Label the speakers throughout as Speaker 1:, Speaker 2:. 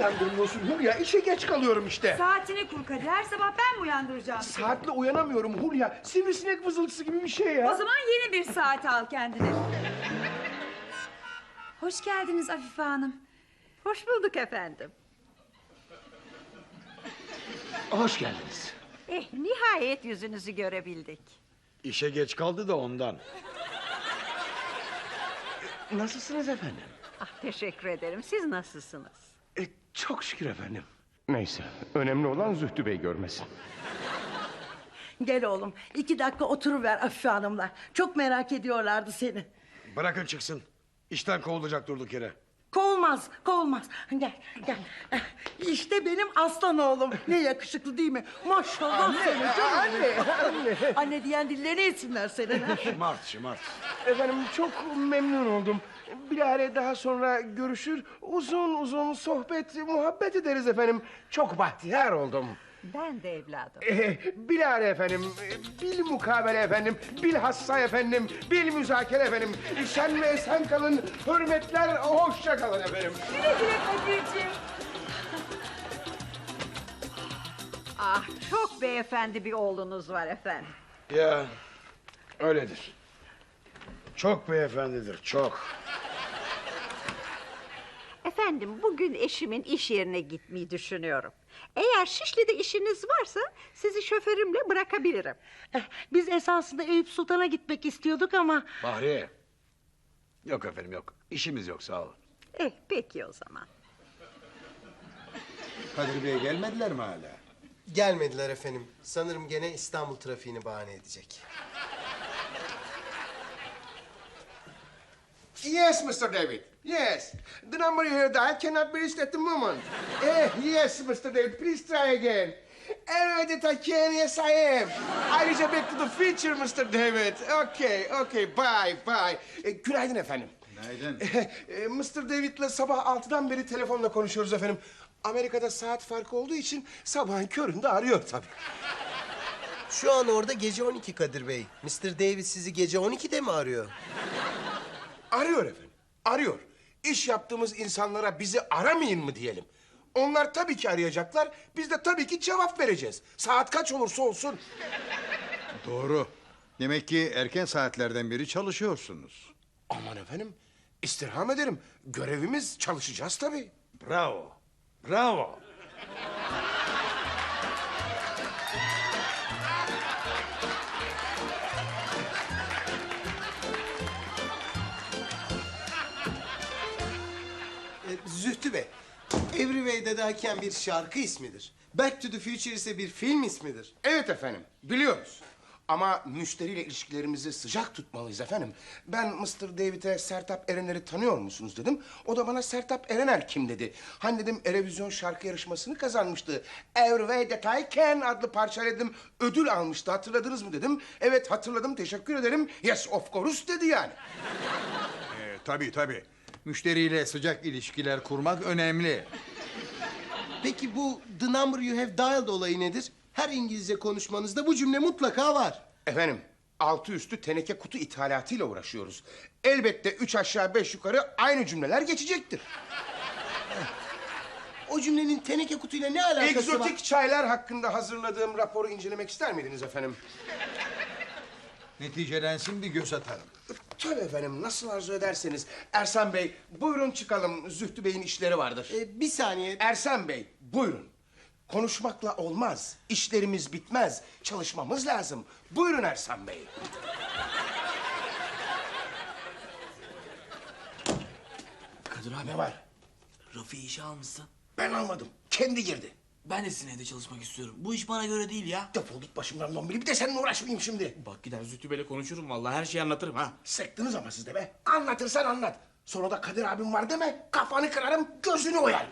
Speaker 1: uyandırmıyorsun Hulya? İşe geç kalıyorum işte.
Speaker 2: Saatini kur Kadir. Her sabah ben mi uyandıracağım?
Speaker 1: Saatle uyanamıyorum Hulya. Sivrisinek vızıltısı gibi bir şey ya.
Speaker 2: O zaman yeni bir saat al kendine. Hoş geldiniz Afife Hanım.
Speaker 3: Hoş bulduk efendim.
Speaker 1: Hoş geldiniz.
Speaker 3: Nihayet yüzünüzü görebildik.
Speaker 4: İşe geç kaldı da ondan.
Speaker 1: Nasılsınız efendim?
Speaker 3: Teşekkür ederim. Siz nasılsınız?
Speaker 1: Çok şükür efendim. Neyse, önemli olan Zühtü Bey görmesin.
Speaker 5: Gel oğlum, 2 dakika oturuver Afife Hanım'la. Çok merak ediyorlardı seni.
Speaker 4: Bırakın çıksın. İşten kovulacak durduk yere.
Speaker 5: Kovulmaz, kovulmaz. Gel, gel. İşte benim aslan oğlum. Ne yakışıklı değil mi? Maşallah seni canım.
Speaker 1: Anne.
Speaker 5: Anne diyen dilleri etsinler senin.
Speaker 4: Şımart.
Speaker 1: Efendim çok memnun oldum. Bilahare daha sonra görüşür, uzun uzun sohbet, muhabbet ederiz efendim. Çok bahtiyar oldum.
Speaker 3: Ben de evladım.
Speaker 1: Bilahare efendim, bil mukabele efendim, bilhassa efendim, bil müzakere efendim. Şen ve esen kalın, hürmetler, hoşça kalın efendim.
Speaker 2: Güle güle Kadir'ciğim.
Speaker 3: Çok beyefendi bir oğlunuz var efendim.
Speaker 4: Ya öyledir. Çok beyefendidir, çok.
Speaker 3: Efendim bugün eşimin iş yerine gitmeyi düşünüyorum. Eğer Şişli'de işiniz varsa sizi şoförümle bırakabilirim.
Speaker 5: Biz esasında Eyüp Sultan'a gitmek istiyorduk ama...
Speaker 4: Bahriye. Yok efendim yok. İşimiz yok sağ olun.
Speaker 3: Peki o zaman.
Speaker 4: Kadir Bey gelmediler mi hala?
Speaker 6: Gelmediler efendim. Sanırım gene İstanbul trafiğini bahane edecek.
Speaker 1: Yes, Mr. David. Yes. The number you heard dialed cannot be reached at the moment. Yes, Mr. David. Please try again. That I can. Yes, I am. I reach back to the future, Mr. David. Okay. Bye. Günaydın efendim.
Speaker 4: Günaydın.
Speaker 1: Mr. David'le sabah 6'dan beri telefonla konuşuyoruz efendim. Amerika'da saat farkı olduğu için sabahın köründe arıyor tabii.
Speaker 6: Şu an orada gece 12 Kadir Bey. Mr. Davis sizi gece 12'de mi arıyor?
Speaker 1: Arıyor efendim. Arıyor. İş yaptığımız insanlara bizi aramayın mı diyelim. Onlar tabii ki arayacaklar. Biz de tabii ki cevap vereceğiz. Saat kaç olursa olsun.
Speaker 4: Doğru. Demek ki erken saatlerden beri çalışıyorsunuz.
Speaker 1: Aman efendim. İstirham ederim. Görevimiz, çalışacağız tabii.
Speaker 4: Bravo.
Speaker 6: Zühtü Bey, Every Way'de derken bir şarkı ismidir. Back to the Future ise bir film ismidir.
Speaker 1: Evet efendim. Biliyoruz. Ama müşteriyle ilişkilerimizi sıcak tutmalıyız efendim. Ben Mr. David'e Sertab Erener'i tanıyor musunuz dedim. O da bana Sertab Erener kim dedi. Hani dedim Erevizyon şarkı yarışmasını kazanmıştı. Every Way That I Can adlı parçayla dedim ödül almıştı. Hatırladınız mı dedim. Evet hatırladım, teşekkür ederim. Yes of course dedi yani.
Speaker 4: Tabii. Müşteriyle sıcak ilişkiler kurmak önemli.
Speaker 6: Peki bu The Number You Have Dialed olayı nedir? Her İngilizce konuşmanızda bu cümle mutlaka var.
Speaker 1: Efendim altı üstü teneke kutu ithalatıyla uğraşıyoruz. Elbette 3 aşağı 5 yukarı aynı cümleler geçecektir.
Speaker 6: O cümlenin teneke kutuyla ne alakası var?
Speaker 1: Egzotik çaylar hakkında hazırladığım raporu incelemek ister miydiniz efendim?
Speaker 4: Neticelensin bir göz atarım.
Speaker 1: Tabii efendim, nasıl arzu ederseniz. Ersan Bey, buyurun çıkalım. Zühtü Bey'in işleri vardır.
Speaker 6: Bir saniye.
Speaker 1: Ersan Bey, buyurun. Konuşmakla olmaz. İşlerimiz bitmez. Çalışmamız lazım. Buyurun Ersan Bey.
Speaker 7: Kadir abi.
Speaker 1: Ne var?
Speaker 7: Rafi'yi işe almışsın.
Speaker 1: Ben almadım. Kendi girdi.
Speaker 7: Ben de sizin evde çalışmak istiyorum. Bu iş bana göre değil ya.
Speaker 1: Defol git başımdan dombili. Bir de seninle uğraşmayayım şimdi.
Speaker 7: Bak gider Zühtü Bey'le konuşurum vallahi her şeyi anlatırım ha.
Speaker 1: Sıktınız ama siz de be. Anlatırsan anlat. Sonra da Kadir abim var deme. Kafanı kırarım, gözünü oyar.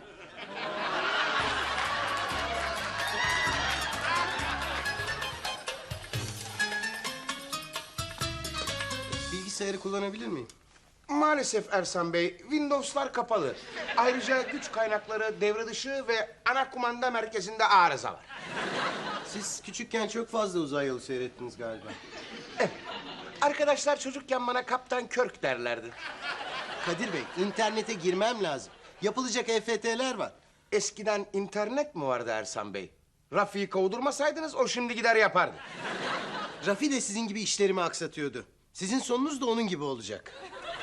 Speaker 6: Bilgisayarı kullanabilir miyim?
Speaker 1: Maalesef Ersan Bey, Windows'lar kapalı. Ayrıca güç kaynakları devre dışı ve ana kumanda merkezinde arıza var.
Speaker 6: Siz küçükken çok fazla uzay yolu seyrettiniz galiba.
Speaker 1: Arkadaşlar çocukken bana Kaptan Kirk derlerdi.
Speaker 6: Kadir Bey, internete girmem lazım. Yapılacak EFT'ler var.
Speaker 1: eskiden internet mi vardı Ersan Bey? Rafi'yi kovdurmasaydınız o şimdi gider yapardı.
Speaker 6: Rafi de sizin gibi işlerimi aksatıyordu. Sizin sonunuz da onun gibi olacak.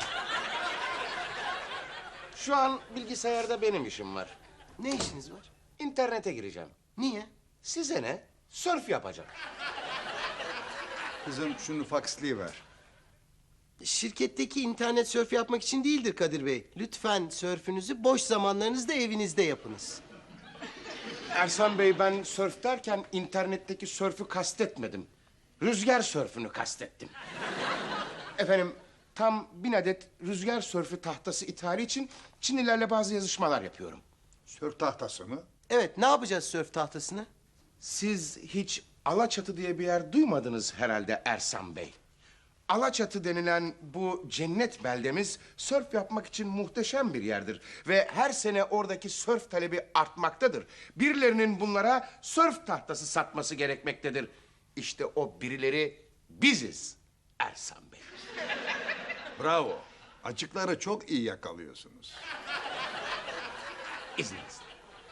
Speaker 1: Şu an bilgisayarda benim işim var.
Speaker 6: Ne işiniz var?
Speaker 1: İnternete gireceğim.
Speaker 6: Niye?
Speaker 1: Size ne? Sörf yapacağım.
Speaker 4: Kızım şunu faksliyiver.
Speaker 6: Şirketteki internet sörf yapmak için değildir Kadir Bey. Lütfen sörfünüzü boş zamanlarınızda evinizde yapınız.
Speaker 1: Ersan Bey, ben sörf derken internetteki sörfü kastetmedim. Rüzgar sörfünü kastettim. Efendim, tam 1000 adet rüzgar sörfü tahtası ithali için Çinlilerle bazı yazışmalar yapıyorum.
Speaker 4: Sörf tahtası mı?
Speaker 6: Evet, ne yapacağız sörf tahtasını?
Speaker 1: Siz hiç Alaçatı diye bir yer duymadınız herhalde Ersan Bey. Alaçatı denilen bu cennet beldemiz sörf yapmak için muhteşem bir yerdir. Ve her sene oradaki sörf talebi artmaktadır. Birilerinin bunlara sörf tahtası satması gerekmektedir. İşte o birileri biziz Ersan Bey.
Speaker 4: Bravo. Açıkları çok iyi yakalıyorsunuz.
Speaker 1: İzninizle.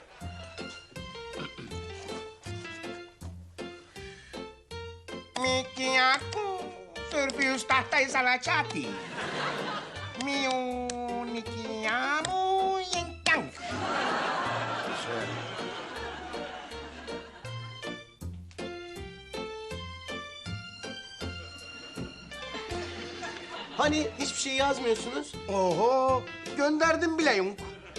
Speaker 1: Miki aku surfius tahtay salacati. Miu nikiamu yengkang.
Speaker 6: Hani hiçbir şey yazmıyorsunuz?
Speaker 1: Oho, gönderdim bile yunk.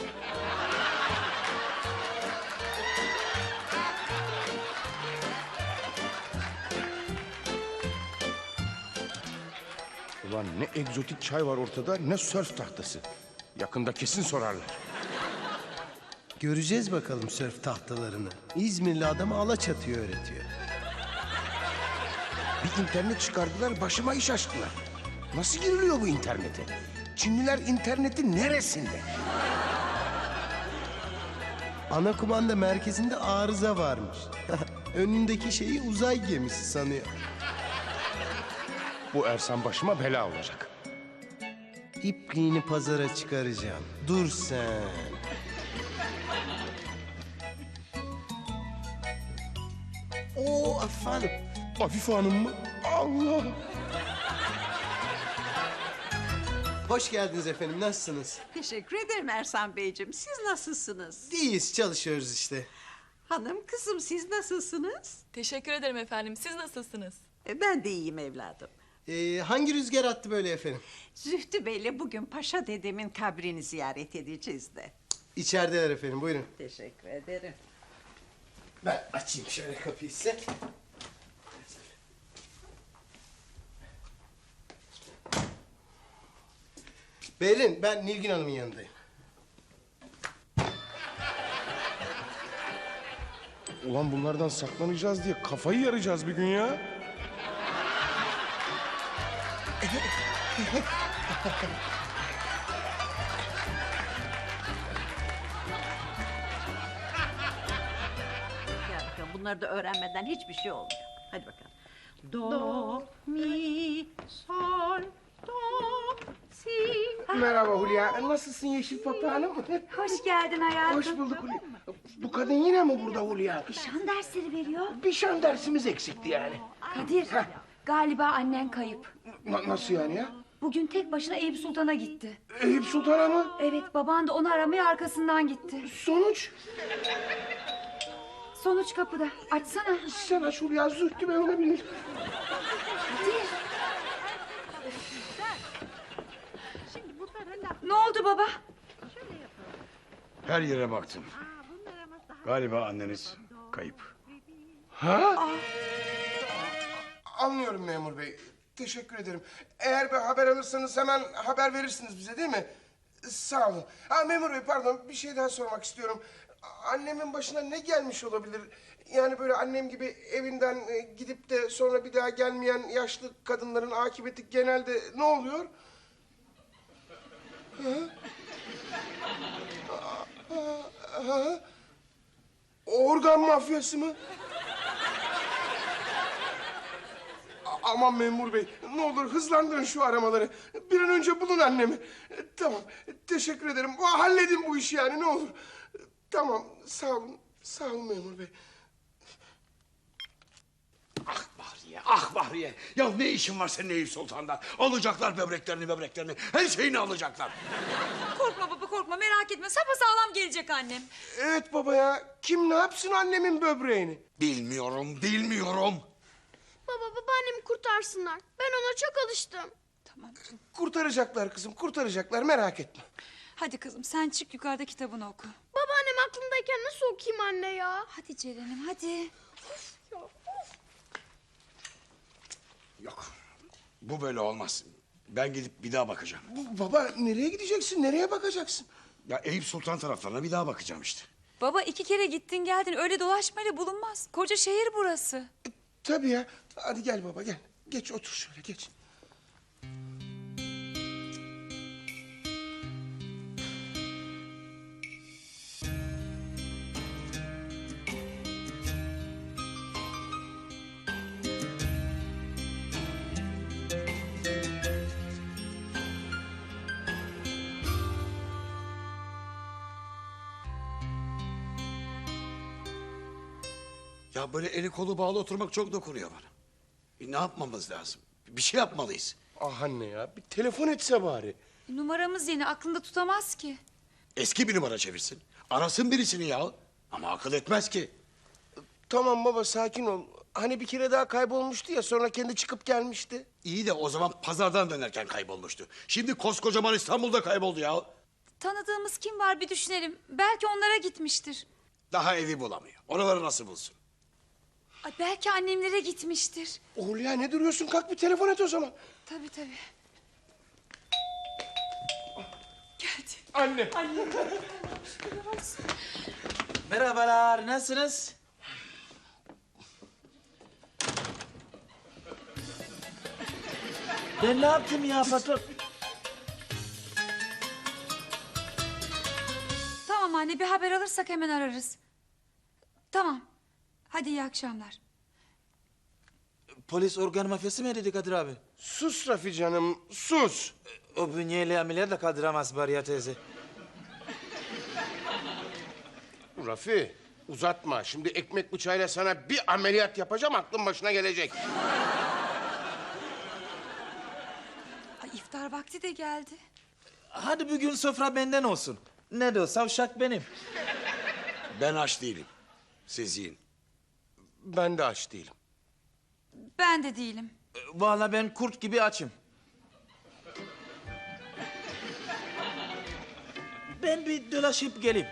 Speaker 1: Ulan ne egzotik çay var ortada, ne sörf tahtası. Yakında kesin sorarlar.
Speaker 6: Göreceğiz bakalım sörf tahtalarını. İzmirli adama Alaçatı'yı öğretiyor.
Speaker 1: Bir internet çıkardılar, başıma iş açtılar. Nasıl giriliyor bu internete? Çinliler internetin neresinde?
Speaker 6: Ana kumanda merkezinde arıza varmış. Önündeki şeyi uzay gemisi sanıyor.
Speaker 1: Bu Ersan başıma bela olacak.
Speaker 6: İpliğini pazara çıkaracağım. Dur sen. Oo efendim.
Speaker 1: Afife Hanım mı? Allah!
Speaker 6: Hoş geldiniz efendim. Nasılsınız?
Speaker 3: Teşekkür ederim Ersan Beyciğim. Siz nasılsınız?
Speaker 6: İyiyiz, çalışıyoruz işte.
Speaker 3: Hanım kızım siz nasılsınız?
Speaker 8: Teşekkür ederim efendim. Siz nasılsınız?
Speaker 3: Ben de iyiyim evladım.
Speaker 6: Hangi rüzgar attı böyle efendim?
Speaker 3: Zühtü Bey'le bugün Paşa dedemin kabrini ziyaret edeceğiz de.
Speaker 6: İçerideler efendim. Buyurun.
Speaker 3: Teşekkür ederim.
Speaker 6: Ben açayım şöyle kapıyı size. Berin, ben Nilgün Hanım'ın yanındayım.
Speaker 1: Ulan bunlardan saklanacağız diye kafayı yarayacağız bir gün ya.
Speaker 3: Gel bakalım bunları da öğrenmeden hiçbir şey olmuyor. Hadi bakalım. Do, mi, sol, do, si.
Speaker 1: Merhaba Hulya. Nasılsın Yeşil Papağanım?
Speaker 2: Hoş geldin hayatım.
Speaker 1: Hoş bulduk Hulya. Bu kadın yine mi burada Hulya?
Speaker 2: Şan dersleri veriyor.
Speaker 1: Bir şan dersimiz eksikti yani.
Speaker 2: Kadir, galiba annen kayıp.
Speaker 1: Nasıl yani ya?
Speaker 2: Bugün tek başına Eyüp Sultan'a gitti.
Speaker 1: Eyüp Sultan'a mı?
Speaker 2: Evet, baban da onu aramaya arkasından gitti.
Speaker 1: Sonuç?
Speaker 2: Sonuç kapıda. Açsana.
Speaker 1: Sen aç Hulya, Zühtü Bey olabilir.
Speaker 2: Kadir. Ne oldu baba?
Speaker 4: Her yere baktım. Galiba anneniz kayıp.
Speaker 1: Anlıyorum memur bey. Teşekkür ederim. Eğer bir haber alırsanız hemen haber verirsiniz bize değil mi? Sağ olun. Memur bey pardon, bir şey daha sormak istiyorum. Annemin başına ne gelmiş olabilir? Yani böyle annem gibi evinden gidip de sonra bir daha gelmeyen yaşlı kadınların akıbeti genelde ne oluyor? Organ mafyası mı? Aman memur bey, ne olur hızlandırın şu aramaları. Bir an önce bulun annemi. Tamam, teşekkür ederim. Halledin bu işi yani, ne olur. Tamam, sağ olun. Sağ olun memur bey.
Speaker 4: Ah Bahriye, ah Bahriye. Ya ne işin var senin Eyüp Sultan'da? Alacaklar böbreklerini, her şeyini alacaklar.
Speaker 2: Korkma baba korkma merak etme sapasağlam gelecek annem.
Speaker 1: Evet baba ya, kim ne yapsın annemin böbreğini?
Speaker 4: Bilmiyorum.
Speaker 9: Baba babaannemi kurtarsınlar. Ben ona çok alıştım.
Speaker 2: Tamam canım.
Speaker 1: Kurtaracaklar kızım, kurtaracaklar, merak etme.
Speaker 2: Hadi kızım sen çık yukarıda kitabını oku.
Speaker 9: Babaannem aklımdayken nasıl okuyayım anne ya?
Speaker 2: Hadi Ceren'im hadi.
Speaker 4: Yok, bu böyle olmaz. Ben gidip bir daha bakacağım.
Speaker 1: Baba, nereye gideceksin, nereye bakacaksın?
Speaker 4: Ya Eyüp Sultan taraflarına bir daha bakacağım işte.
Speaker 2: Baba 2 kere gittin geldin öyle dolaşmayla bulunmaz. Koca şehir burası.
Speaker 1: Tabii ya, hadi gel baba, gel. Geç, otur şöyle, geç.
Speaker 4: Ya böyle eli kolu bağlı oturmak çok dokunuyor bana. Ne yapmamız lazım? Bir şey yapmalıyız.
Speaker 1: Ah anne ya, bir telefon etse bari.
Speaker 2: Numaramız yeni aklında tutamaz ki.
Speaker 4: Eski bir numara çevirsin. Arasın birisini ya. Ama akıl etmez ki.
Speaker 1: Tamam baba, sakin ol. Hani bir kere daha kaybolmuştu ya, sonra kendi çıkıp gelmişti.
Speaker 4: İyi de o zaman pazardan dönerken kaybolmuştu. Şimdi koskocaman İstanbul'da kayboldu ya.
Speaker 2: Tanıdığımız kim var bir düşünelim. Belki onlara gitmiştir.
Speaker 4: Daha evi bulamıyor. Oraları nasıl bulsun?
Speaker 2: Ay, belki annemlere gitmiştir.
Speaker 1: Hulya, ne duruyorsun? Kalk bir telefon et o zaman.
Speaker 2: Tabii tabii. Geldi.
Speaker 1: Anne.
Speaker 7: Merhabalar, nasılsınız? Ben ne yaptım ya patron?
Speaker 2: Tamam anne bir haber alırsak hemen ararız. Tamam. Hadi iyi akşamlar.
Speaker 7: Polis organ mafyası mı dedi Kadir abi?
Speaker 1: Sus Rafi canım, sus.
Speaker 7: O bünyeyle ameliyat da kaldıramaz Bariye teyze.
Speaker 1: Rafi, uzatma. Şimdi ekmek bıçağıyla sana bir ameliyat yapacağım, aklın başına gelecek.
Speaker 2: Ay, iftar vakti de geldi.
Speaker 7: Hadi bugün sofra benden olsun. Ne de olsa uşak benim.
Speaker 4: Ben aç değilim. Siz yiyin.
Speaker 1: Ben de aç değilim.
Speaker 2: Ben de değilim.
Speaker 7: Vallahi ben kurt gibi açım. Ben bir dolaşıp geleyim.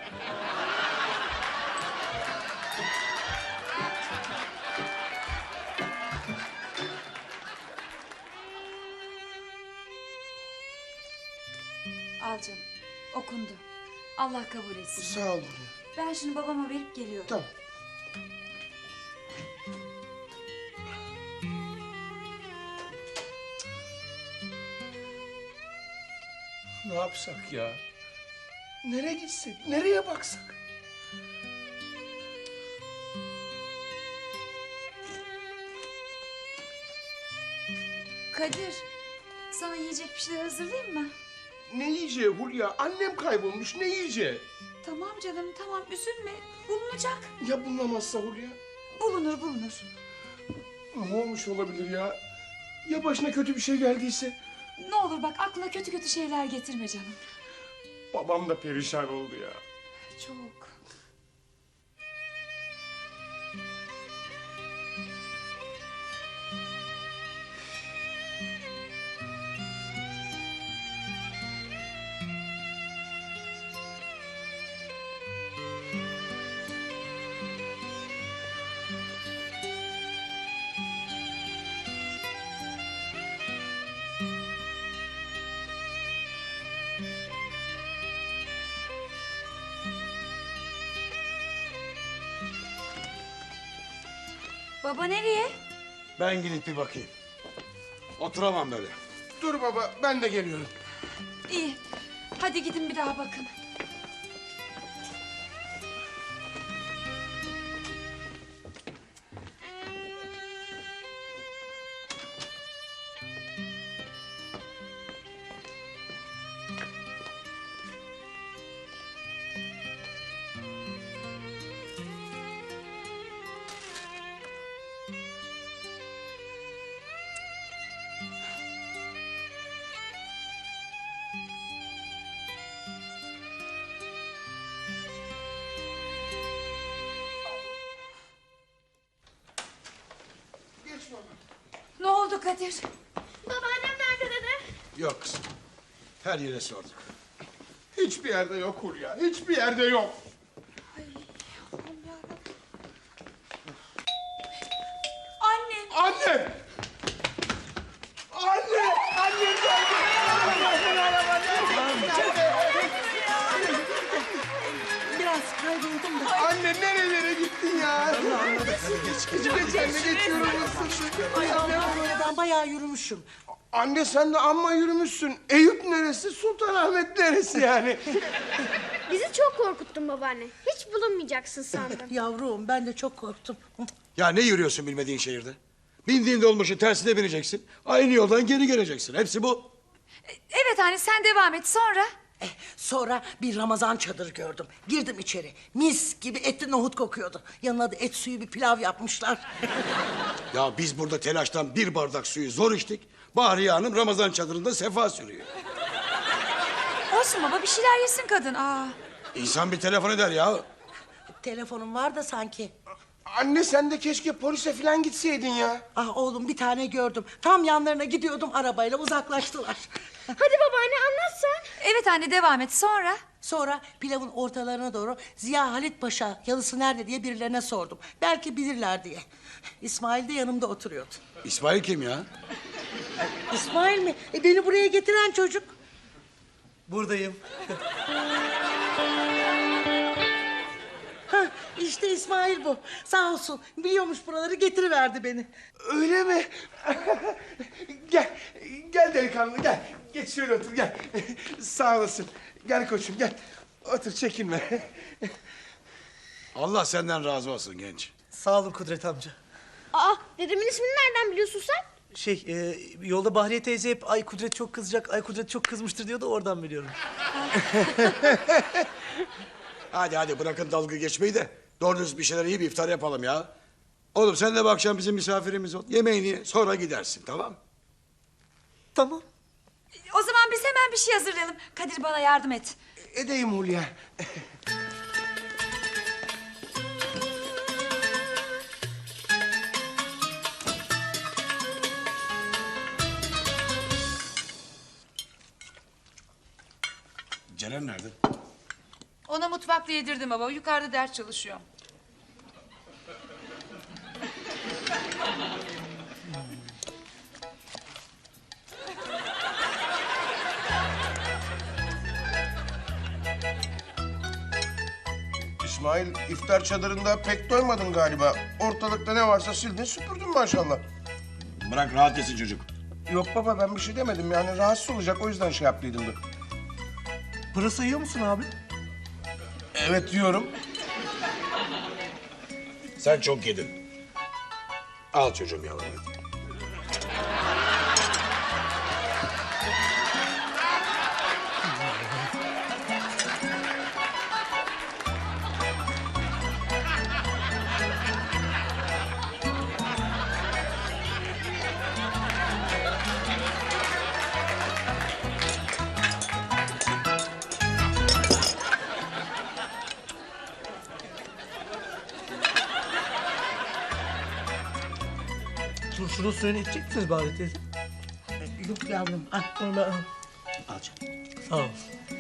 Speaker 2: Al canım. Okundu. Allah kabul etsin.
Speaker 1: Sağ ol.
Speaker 2: Ben şimdi babama verip geliyorum.
Speaker 1: Tamam. Ne yapsak ya? Nereye gitsek? Nereye baksak?
Speaker 2: Kadir, sana yiyecek bir şeyler hazırlayayım mı?
Speaker 1: Ne yiyeceği Hulya? Annem kaybolmuş. Ne yiyeceği?
Speaker 2: Tamam canım, tamam üzülme. Bulunacak.
Speaker 1: Ya bulunamazsa Hulya?
Speaker 2: Bulunur, bulunur.
Speaker 1: Ne olmuş olabilir ya? Ya başına kötü bir şey geldiyse?
Speaker 2: Ne olur bak aklına kötü kötü şeyler getirme canım.
Speaker 1: Babam da perişan oldu ya.
Speaker 2: Çok. Baba nereye?
Speaker 4: Ben gidip bir bakayım. Oturamam böyle.
Speaker 1: Dur baba, ben de geliyorum.
Speaker 2: İyi. Hadi gidin bir daha bakın. oldu Kadir?
Speaker 9: Babaannem nerede dede?
Speaker 4: Yok kızım. Her yere sorduk.
Speaker 1: Hiçbir yerde yok Hulya. Hiçbir yerde yok.
Speaker 2: Annem.
Speaker 1: Anne! Anne! Annem
Speaker 5: Biraz kayboldum da.
Speaker 1: Anne nerelere gittin ya? Geçiyorum sen de geçiyorum.
Speaker 5: Ay Allah'ım ben bayağı yürümüşüm.
Speaker 1: Anne sen de amma yürümüşsün. Eyüp neresi? Sultanahmet neresi yani?
Speaker 9: Bizi çok korkuttun babaanne. Hiç bulunmayacaksın sandım.
Speaker 5: Yavrum ben de çok korktum.
Speaker 4: Ya ne yürüyorsun bilmediğin şehirde? Bindiğin dolmuşun tersine bineceksin. Aynı yoldan geri geleceksin. Hepsi bu.
Speaker 2: Evet anne sen devam et sonra.
Speaker 5: Sonra bir Ramazan çadırı gördüm. Girdim içeri. Mis gibi etli nohut kokuyordu. Yanına da et suyu bir pilav yapmışlar.
Speaker 4: Ya biz burada telaştan bir bardak suyu zor içtik. Bahriye Hanım Ramazan çadırında sefa sürüyor.
Speaker 2: Olsun baba bir şeyler yesin kadın. Aa.
Speaker 4: İnsan bir telefon eder ya.
Speaker 5: Telefonum var da sanki.
Speaker 1: Anne sen de keşke polise falan gitseydin ya.
Speaker 5: Ah oğlum bir tane gördüm. Tam yanlarına gidiyordum arabayla uzaklaştılar.
Speaker 9: Hadi babaanne anlat sen.
Speaker 2: Evet anne devam et sonra.
Speaker 5: Sonra pilavın ortalarına doğru Ziya Halit Paşa yalısı nerede diye birilerine sordum. Belki bilirler diye. İsmail de yanımda oturuyordu.
Speaker 4: İsmail kim ya?
Speaker 5: İsmail mi? Beni buraya getiren çocuk.
Speaker 7: Buradayım.
Speaker 5: Hah, işte İsmail bu. Sağ olsun. Biliyormuş buraları getiriverdi beni.
Speaker 1: Öyle mi? Gel. Gel delikanlı gel. Geç şöyle otur gel. Sağ olasın. Gel koçum gel. Otur çekinme.
Speaker 4: Allah senden razı olsun genç.
Speaker 7: Sağ olun Kudret amca.
Speaker 9: Aa dedemin ismini nereden biliyorsun sen?
Speaker 7: Yolda Bahriye teyze hep ay Kudret çok kızacak, ay Kudret çok kızmıştır diyor da oradan biliyorum.
Speaker 4: Hadi bırakın dalga geçmeyi de doğru düz bir şeyler yiyip iftar yapalım ya. Oğlum sen de bu akşam bizim misafirimiz ol. Yemeğini ye, sonra gidersin tamam?
Speaker 7: Tamam.
Speaker 2: O zaman biz hemen bir şey hazırlayalım. Kadir bana yardım et.
Speaker 1: Edeyim Hulya.
Speaker 4: Ceren nerede?
Speaker 2: Ona mutfakta yedirdim baba. Yukarıda ders çalışıyor.
Speaker 1: İsmail iftar çadırında pek doymadın galiba. Ortalıkta ne varsa sildin süpürdün maşallah.
Speaker 4: Bırak rahat etsin çocuk.
Speaker 1: Yok baba ben bir şey demedim yani rahatsız olacak o yüzden şey yaptıydım da.
Speaker 7: Pırasa yiyor musun abi?
Speaker 1: Evet diyorum.
Speaker 4: Sen çok yedin. Al çocuğum yavrum.
Speaker 7: Turşunun suyunu içecek misiniz Bahriye teyze?
Speaker 5: Yok yavrum. Al.
Speaker 7: Onu ben al.
Speaker 4: Al canım.
Speaker 7: Sağ ol.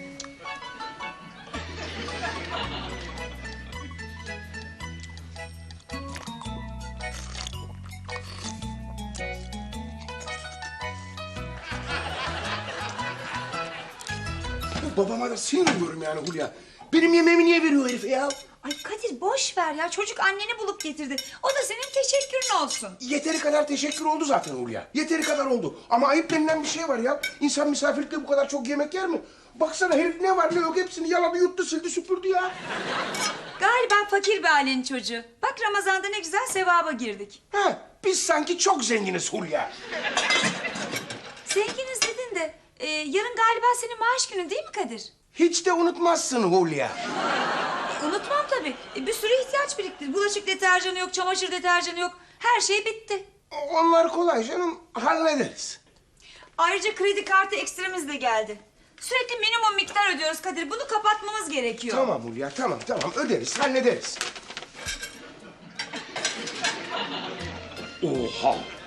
Speaker 1: Babama da sinir oluyorum yani Hulya. Benim yemeğimi niye veriyor herife ya?
Speaker 2: Ay Kadir boş ver ya. Çocuk anneni bulup getirdi. O da senin teşekkürün olsun.
Speaker 1: Yeteri kadar teşekkür oldu zaten Hulya. Yeteri kadar oldu. Ama ayıp denilen bir şey var ya. İnsan misafirlikte bu kadar çok yemek yer mi? Baksana herif ne var ne yok hepsini yaladı yuttu sildi süpürdü ya.
Speaker 2: Galiba fakir bir ailenin çocuğu. Bak Ramazan'da ne güzel sevaba girdik.
Speaker 1: Ha, biz sanki çok zenginiz Hulya.
Speaker 2: Zenginiz dedin de yarın galiba senin maaş günün değil mi Kadir?
Speaker 1: Hiç de unutmazsın Hulya.
Speaker 2: Unutmam tabii. Bir sürü ihtiyaç birikti. Bulaşık deterjanı yok, çamaşır deterjanı yok. Her şey bitti.
Speaker 1: Onlar kolay canım hallederiz.
Speaker 2: Ayrıca kredi kartı ekstremiz de geldi. Sürekli minimum miktar ödüyoruz Kadir. Bunu kapatmamız gerekiyor.
Speaker 1: Tamam Hulya tamam öderiz hallederiz. Oha!